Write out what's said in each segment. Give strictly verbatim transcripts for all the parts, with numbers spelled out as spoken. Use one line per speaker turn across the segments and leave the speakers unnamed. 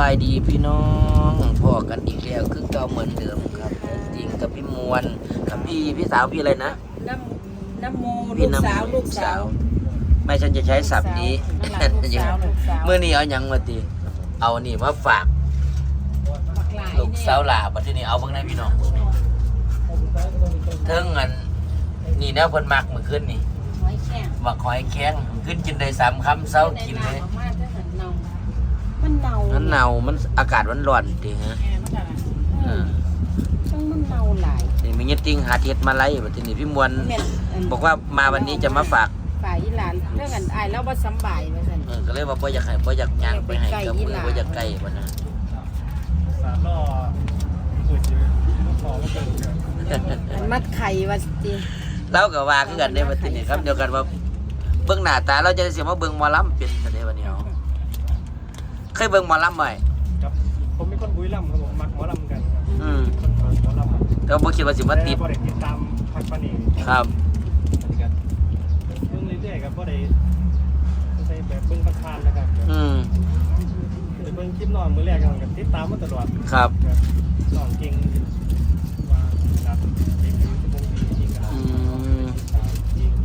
ายดีพี่น้องพ่อกันอีกแล้วคือเก่าเหมือนเดิมครับจริงกับพี่มวลกับพี่พี่สาวพี่อะไรนะ
น้ำน้ำโม
พี่
ลูกสาวลูกสาว
ไม่ฉันจะใช้ศัพท์นี้
ลูกสาวลูกสาว
เมื่อนี้เอาหยังมาตีเอานี่มาฝาก
บักหลาย
ลูกสาวหลาบัดทีนี้เอาเบิ่งได้พี่น้องเทิงอันนี่แนวเพิ่นมักมื้อคืนนี่
หอยแข็ง
บักหอยแข็งขึ้นกินได้สามคำเช้ากินเลย
มันเน่า
มันหนาวมันอากาศมันร้อนติฮะ
เออช่างมันเน่าหลาย
นี่มีเงี้ยติงหาเฮ็ดมาไล่บัดทีนี้พี่มวล
แม่นน
บอกว่ามาวันนี้จะมาฝาก
ฝ่ายอีหลานเรื่องกันอายแล้วบ่สำบายว่าซั่น
เออก็เลยว่าบ่อยากให้บ่อยากย่างไปให้กับมือบ่อยากใกล้บ่นะ
สามล้อสุดอยู่ลูกคอก็เกินเลย
มันมัดไข่ว่าสิ
เราก็ว่าคือกันในบัดนี้ครับเดียวกันว่าเบิ่งหน้าตาเราจะได้สิมาเบิ่งหมอลำเป็นจังได๋บัดนี้เอาเคยเบิ่งหมอลำบ่
ครับผมเป็นคนบุรีรัมย์ครับผมมักหมอลำกันครับ
อืม
คนมักหมอลำ
แต่บ่คิดว่าสิมาติด
บ่ได้ติดตามพักปานี
ครับ
อันนี้ครับเบิ่งเรื่อยๆครับบ่ได้ใส่แบบเบิ่งประคานนะครับ
อืม
แต่เบิ่งคลิปน้องมื้อแรกกันติดตามมาตลอด
ครับ
ครับน้องเก่งว่าครับเด็กอยู่ชั่วโมงดีจริงครับ
อืม
ติดตามจริง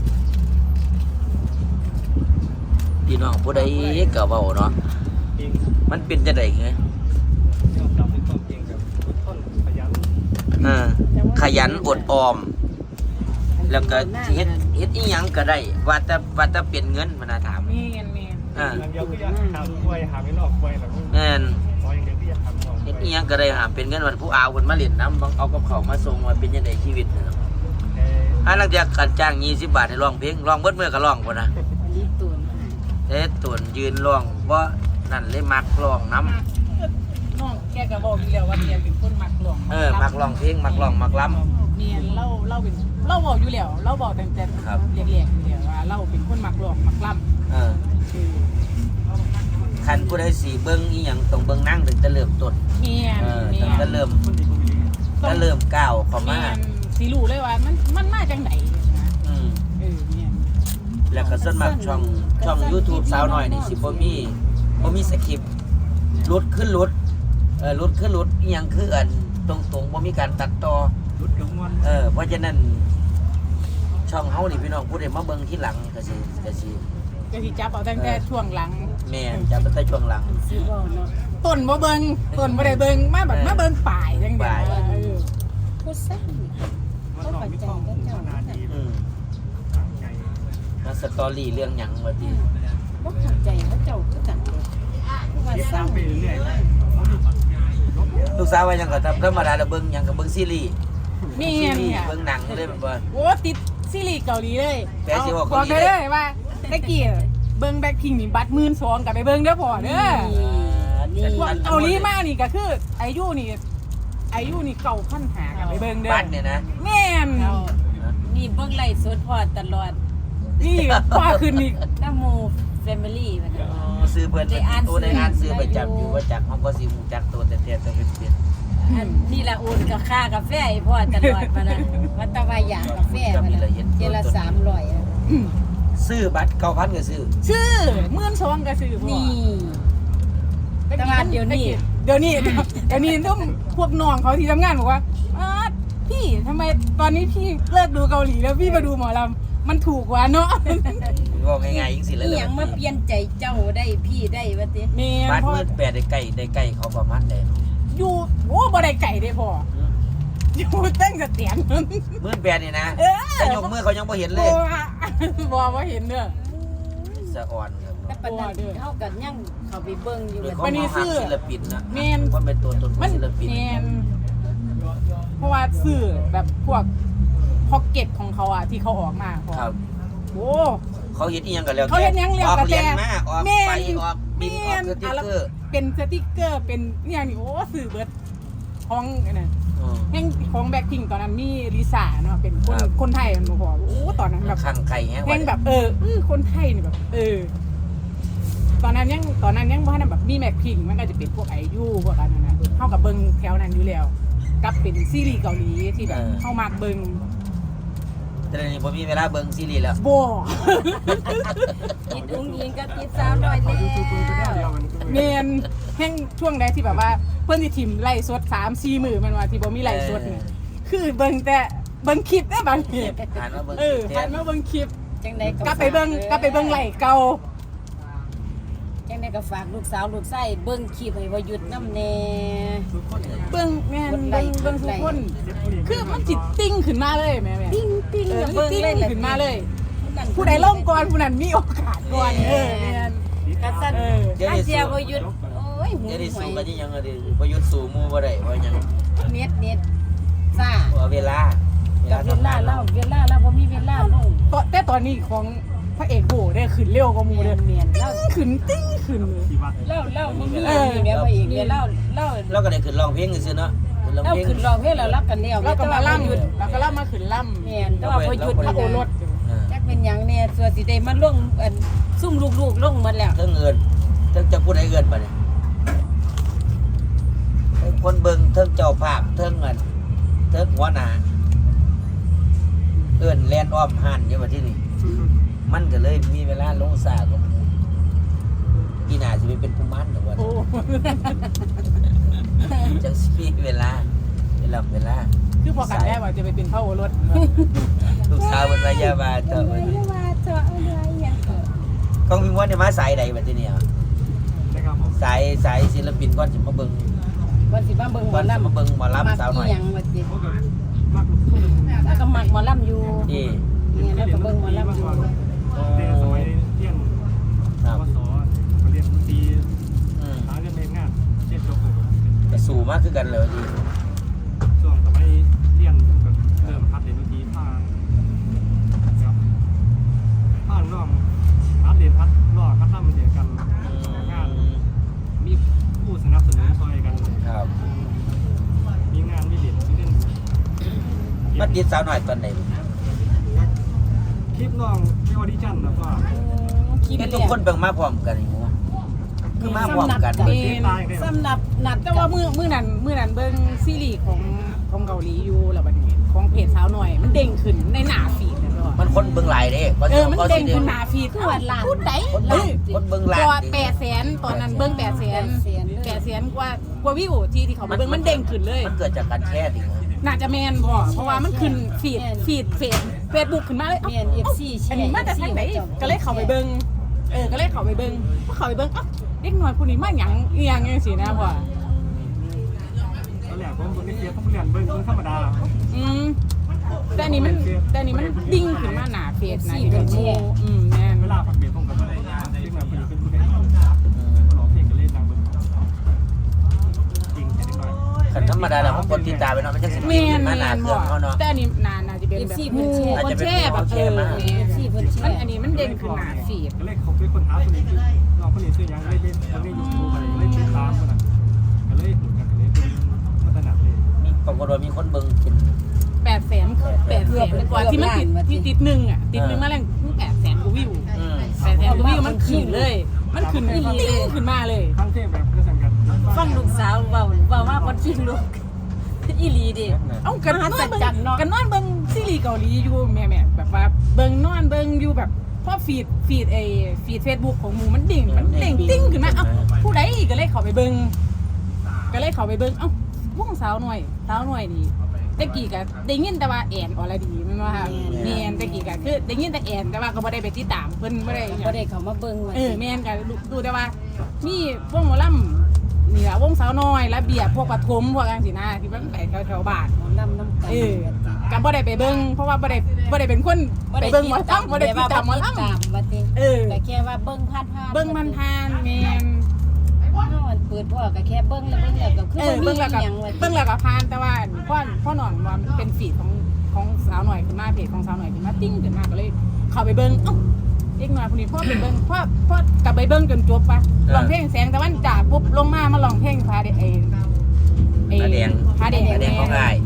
พี่น้องผู้ใดก็เว้าเนาะ
จริง
มันเป็นจังได๋ไง
ยอมรับในความจริงครับอดทนขยัน
เออขยันอดออม แล้วก็สิเฮ็ดเฮ็ดอีหยังก็ได้ว่าแต่ว่าแต่เป็นเงินมันน่าถาม
แม่นแม่น
อ่า
อย่างเดียวคือจะหาควยหาไม่นอกควยแบบนี้
แม่น
ขออย่างเดียวที่จะทำนอก
เฮ็ดอีหยังก็ได้หาเป็นเงินวันผู้อาวเพิ่นมาเล่นน้ำต้องเอากับเขาวมาส่งว่าเป็นจังไดชีวิตเนาะ
เอ่อ
อันลังจากกันจ้างยี่สิบบาทให้ร้องเพลงร้องเบิดมื้อก็ร้องพุ่นน่ะ
อันนี้ตูน
เอ๊ะตวนยืนร้องบ่นั่นเลยมักร้องน้ำ
น้องแกก็บอกอยู่แล้วว่าแกเป็นคนมักหลวง
เออมักร้องเพลงมักร้องมักล้
เมียนเล่าเล่าเป็นเล่าบอกอยู่แล้วเล่าบอกแต่แต่
ครับ
เรียกๆอยู่แล้วว่าเล่าเป็นคนมักหลวงมักล่
ำเออ
ำคือ
คันผู้ใดสิเบิ่งอีหยังต้องเบิ่งนั่งถึงจะเริ่มต้น
เมียน
เออ
เมี
ถึ
ย
ง
น
จะเริ่ม
คนดีคนดี
จะเริ่มก้าวเข้า
เมี
มาย
นสิรู้เลยว่ามันมันมาจังไหนนะ
อืม
เออเมียน
แล้วก็ส่วนมากช่องช่อง YouTube สาวน้อยนี่สิบ่มีบ่มีสคริปต์รุดขึ้นรุดเออรุดขึ้นรุดอีหยังคืออันตรงๆบ่มีการตัดต่อ
รุดกระมวล
เออเพราะฉะนั้นช่องเฮานี่พี่น้องผู้ใดมาเบิ่งที่หลังก็สิก็สิ
ก็สิจับเอาตั้งแต่ช่วงหลัง
แม่นจะเป็นแต่ช่วงหลัง
สิเว้าเนาะ
ต้นบ่เบิ่งต้นบ่ได้เบิ่งมาแบบมาเบิ่งป่ายจังได๋
ป่าย
เออ
ผู้สร้าง
มันนอกมีความพัฒนาดี
อืม
ต่างไง
มาสตอรี่เรื่องหยังว่าติ
บ่เข้าใจเขาเจ้าคือกันเลยว่า
ติด
สร้า
ตาง มไปเรื่อย
ลูกสาวว่าหยังก็ทำธรรมดาแล้วเบิ่งหยังก็เบิ่งซีรีส์
เมี
ซี
ยน
รีส์
ค่ะ
เบิ่งหนังเลยแม่นบ่
โอ้ติดซีรีส์เกาหลีเลย
แปลสิว่า
บ
เกา
อก
หลี
ได้เลยว่าตะกี้เบิ่งแบ็คพิงนี่บัตรหมื่นสองกับไปเบิ่งเด้อพ่อเด้อ
นี่
พวกเกาหลีมานี่ก็คืออายุนี่อายุนี่เก่าขั้นหากับไปเบิ่งเด้อ
บ้านเนี่ยนะ
แม่น
เอานี่เบิ่งไลฟ์สดพอตลอด
นี่พ่อขึ้นนี่
น้ำหมู่แฟมิลี่บัดนี้
อ๋อซื้อเพิ่น
ได้อ่าน
โอ้ได้อ่านซื้อ
ได้
ประจำ
อยู่
อยู่ว่าจักเฮาก็สิฮู้จักตัวแต่แต่แต่เป็นเป็น
อันนี่ละโอนกับค่ากาแฟให้พ่อตลอดมานะวัตวาอยากกาแฟมานะเจละสามร้อยอะ
ซื้อบัตรเก้าพันก็ซื้อ
ชื่อหมื่นสองก็ซื้อพ่อ
นี่ แต่ว่าเดี๋ยวนี้
เดี๋ยวนี้เดี๋ยวนี้ต้องพวกน้องเขาที่ทำงานบอกว่าอ้าพี่ทำไมตอนนี้พี่เลิกดูเกาหลีแล้วพี่มาดูหมอลำมันถูกกว่าเนาะ
ว่าง่ายๆจังซี่แหล้
อี
ว
หยังมาเปลี่ยนใจเจ้าได้พี่ได้ว่าติ
แม่น
บัตร
พ่อ
มืดแปดได้ใกล้ได้ใกล้เขาประมาณใด
อยู่โอ้บ่ได้ไก่เด้พ่ออยู่ตั้งแต่เตียน
มืดแปดนี่นะ
เออ
แต่ยกมือเขายังบ่เห็นเลย
บ่บ่เห็นเด้อ
สะอ่อนครับ
แต่ปานนั้นเฮาก็ยังเข้าไปเบิ่งอยู่
ด้วย
แบบ
ความ
วันนี้
เฮาฮัก
ซื้อ
ศิลปินนะ
แม่น
ว่าเป็นตัวตนขอ
มั
ง
น
ศิลปิน
แม่นเพราะว่าสื่อแบบพวกพ็อกเก็ตของเขาอะที่เขาออกมาพ่อ
ครับ
โอ้
เขาเฮ็ดอีหยังกันแล้ว
เขาเฮ็ดหยังแล้ว
ออก
แต่
เหรียญมาออก
แม่น
ไปออกบินออกสติ๊กเกอร์
เป็นสติกเกอร์เป็นเนี่ยนี่โอ้สื่อเบิดของเนี่ย
อืม
แห่งของแบ็คพิงตอนนั้นมีลิซ่าเนาะเป็นคน
ครับ
คนไทยมันบอกโอ้ตอนนั้นแบบ
ข้างไข่แฮง
แห่งแบบเอออื้อคนไทยนี่แบบ เออ ตอนนั้นยังตอนนั้นยังว่าแบบมีแบ็คพิงมันก็จะเป็นพวกไอยูพวกอันนั้นนะเข้ากับเบิงแถวนั้นอยู่แล้วกับเป็นซีรีส์เกาหลีที่แบบเข้ามากเบิง
แต่เดี๋ยวนี้ผมมีเวลาเบิ่งซีรีส์แล้ว
บ่
ติดอุ้งอิงก็ติดสามร้อยแล้ว
เมนแห่งช่วงใดที่แบบว่าเพิ่นสิทิมไล่สดสาม สี่มื้อมันว่าที่บ่มีไล่สดนี่คือเบิ่งแต่เบิ่งคลิปได้บางที
หันมาเบิ่ง
เออ
แท
หัน
น
มาเบิ่งคลิป
จังได๋
กลับไปเบิ่งกลับไปเบิ่งไล่เก่า
จังได๋ก็ฝากลูกสาวลูกชายเบิ่งคลิปให้บ่หยุดนำแน่
ทุกคนเนี่ย
เบิ่งแม่นเบิ่งเบิ่งทุกคนคือมันสิติ้งขึ้นมาเลยแม่แม่
ติ้งติ้ง
เออ
เบิ่ง
ติ้ง
เลย
ขึ้นมาเลย ผู้ใดล่มก่อนผู้นั้นมีโอกาสก่อนเออแม่น
กะซั่น
เออ
เดี๋ยว
อา
นี้
เสีย
สู้
บ่หยุดโอ้ยหู
เดี๋ยวนี้
หว
สู้
ย
กันยังอะดิบ่หยุดสู้หมู่บ่ได้ว่าหยัง
เน็ตเน็ตซ่า
ว่าเวลา
กับเวลาเล่าเวลาเราบ่มีเวลาลง
ตอนแต่ตอนนี้ของพระเอกโบได้ขึ้นเร็วกว่าหมู่
เมี
เด้
ย
อน
เมียนเล่า
ขึ้นติ้งขึ้นเลย
ที่วัด
เล่าเล่าบ่มีเมียแม่บ่อีกเล่าเล่า
เราก็ได้ขึ้นร้องเพลงซื่อๆเนาะขึ้นร้อง
เล่า
เพลง
ขึ้นร้องเพลงแล้วรักกันแล้ว
แล้วก็มาล่ำ
หยุด
แล้วก็ล่ำมาขึ้นล่ำ
เมียนแต่ว่าบ่หยุด
พระโอรส
เออ
จักเป็นหยังเนี่ยส่วนสิได้มันลงอันซุ่มลูกๆลงหมดแล้ว
เทิงเอิ้นเทิงจะพูดให้เอิ้นบัดนี้เทิงคนเบิ่งเทิงเจ้าภาพเทิงอันเทิงหัวหน้าเอิ้นแล่นอ้อมหันอยู่บัดที่นี่มันก็เลยมีเวลาลงซ่ากว่าหมู่อีหน้าสิไปเป็นผู้มันดอกว่า
โอ้
จังสิมีเวลาเวลาเวลา
คือพอกันได้ว่าจะไปเป็นพระโอรส
ลูกสาวมันวายาบาเจ้า
ไม่ได้ว่าเจาะอะไรอย่างเงี้ย
กองพิมพ์ว่าเนี่ยมาสายใดบัดนี้เนี่ย
นะครับผม
สายสายศิลปินก่อนสิมาเบิ่ง
วันสิมาเบิ่งหม
ก่
อ
อนสิ
ลำ
มาเบิ่งหมอลำสาวหน่อย
มักอีหยังว่าสิ
พวกกับมากลูกทุ่ง
แล้วก็มักหมอลำอยู่
นี่
เนี่ยแล้วก็เบิ่งหมอลำอยู่
เรียนสมัยเรียน
ครับ
วสก็เรียนดนตรี
อืม
หาเงินเรียนงานเรียนจบเลย
ก็สู่มากคือกันเลยดี
ช่วงสมัยเรียนแบบเริ่มพัดเรียนดนตรีผ่านครับผ่านร่องพัดเรียนพัดรอพัดล่ำเรียนกันงานมีผู้สนับสนุนซอยกัน
ครับ
มีงานมีเรียนมีเล่น
มาติดสาวหน่อยตอนไหน
คลิปน้องที่ออดิชั่นแล้วก็
คิด
เห็นทุ
แล้
ก
ว
คนเบิ่งมาพร้อมกันนี่หมู่คือมาพร้อมกัน
สำหรับ
เต้นตายกัน
สำหรับนัด
แต่ว่ามือมือนั้นมือนั้นเบิ่งซีรีส์ของของเกาหลีอยู่แล้วบัดนี้ของเพจสาวหน่อย มันเด้งขึ้นในหน้าฟีดนั่นเนาะ
มันคนเบิ่งหลายเด้
เออมันเด้งขึ้นหน้าฟีดคือว่าล้านพูดได้
คน
เอ
เบิ่ง
อ
คนเบิ่งหลาย
ตัวแปดแสนตอนนั้นเบิ่งแปดแสนแปดแสนกว่ากว่าวิวที่ที่เขามาเบิ่งมันเด้งขึ้นเลย
มันเกิดจากการแชร์ดิ
น่าจะแมนบ่เพราะว่ามันขึ้นฟีดฟีดเฟซเฟซบุ๊กขึ้นมาเลย
เมีย
เอ้าน
เอฟซีแช
อัน
ร์
นี้มาจากทางไหนก็เลยเข้าไปเบิ่งเออก็เลยเข้าไปเบิ่งพอเข้าไปเบิ่งเอ้าเด็กน้อยผู้นี้มาหยังอีหยังจังซี่นะพ่อ
ตอนแรกผมเบิ่งในเฟซผมเรียนเบิ่งเบิ่งธรรมดา
อืมแต่อันนี้มันแต่อันนี้มันดิ้งขึ้นมาหน้าเฟซนะที่เป็นหมู่อืมแม่น
เวลาพักเบรกผมก็บ่ได้เด็กแบบเป็นผู้ใดร้องเพลงก็เล่นนางเบิ่งจริงแค่นิดหน่อย
คันธรรมดาแล้วผมกดติดตามไปเนาะมันจะสิ
แม่น
มา
แม่
หน้าน เครื่
บ่
องเขาเนาะ
แต่อันนี้นานน่าจะเป็นแบบหมู่คนแช่แบบเออแม่
เอฟซีเพิ่นแช
มัน
ร์
อันนี้มันเด้งขึ้นหน้าฟีด
ก็เลยเขาไปคนหาคนนี้คือน้องคนนี้ชื่อยังเล่นเล่นเล่นยูทูบอะไรเล่นติดตามคนน่ะก็เลยหูกันก็เลยเป็นมาตรฐานเลย
มีปรากฏว่ามีคนเบิ่งเป็น
แปดแสนแปดแสนกว่าที่มันติดที่ติดหนึ่งอ่ะติดหนึ่งมาแรงแปดแสนกว่าวิว
อืม
แปดแสนกว่าวิวมันขึ้นเลย มันขึ้นติ้งขึ้นมาเลย
ทั้งเทพแบบเพื่อสังกัด
ฟังลูกสาวเว้าเว้าว่าคนขี้ลูกอีหลีดิ
เอ้ากันนอน
มหัศ
เบิ่ง
จรรย์เนาะ
กันนอนเบิ่งซีรีส์เกาหลีอยู่แม่ๆแบบว่าเบิ่งนอนเบิ่งอยู่แบบพอฟีดฟีดไอ้ฟีด Facebook ของหมู่มันดิ่งมันดิ่งติ้งขึ้นมาเอ้าผู้ใดก็เลยเข้าไปเบิ่งก็เลยเข้าไปเบิ่งเอ้าวงสาวหน่อยสาวหน่อยนี่แต่กี้ก็ได้ยินแต่ว่าแอนอรดีแม่นบ่ค่ะแม่นแต่กี้ก็คือได้ยินแต่แอนแต่ว่าก็บ่ได้ไปติดตามเพิ่นบ่ได้หยัง
บ่ได้เข้ามาเบิ่งว่า
เออแม่นกันดูแต่ว่ามีวงหมอลำนี่ละวงสาวน้อยระเบียบพวกปฐมพวกอังสินะที่มันไปแถวๆบ้าน
หมอลำน้ำกัน
เออกันบ่ได้ไปเบิ่งเพราะว่าบ่ได้บ่ได้เป็นคนไปเบิ่งหมอลำบ่ได้ติดตามหมอล
ตามว่าติ
ำเออ
แต่แค่ว่าเบิ่งผ่านๆ
เบิ่งมันทานแม่น
เฮาอันเปิดพ่อก็แค่เบิ่งแล้วเบิ่งแล้วก็คือ
เออ
บ่มี
เบิ่งแล้วก็
หยังว่า
เบิ่งแล้วก็ผ่านแต่ว่าพ่อพ่อหนอนว่ามันเป็นฟีดของของสาวหน่อยขึ้นมาเพจของสาวหน่อยขึ้นมาติ้งขึ้นมาก็เลยเข้าไปเบิ่งเอ้าเด็กน้อยผู้นี้พ่อไปเบิ่งพ่อพ่อกลับไปเบิ่งจนจบปะร้องเพลงแสงตะวันจ้าปุ๊บลงมามาร้องเพลงพาเดไอ้
ผาแดง
ผาแดง
ผาแดงของอ้าย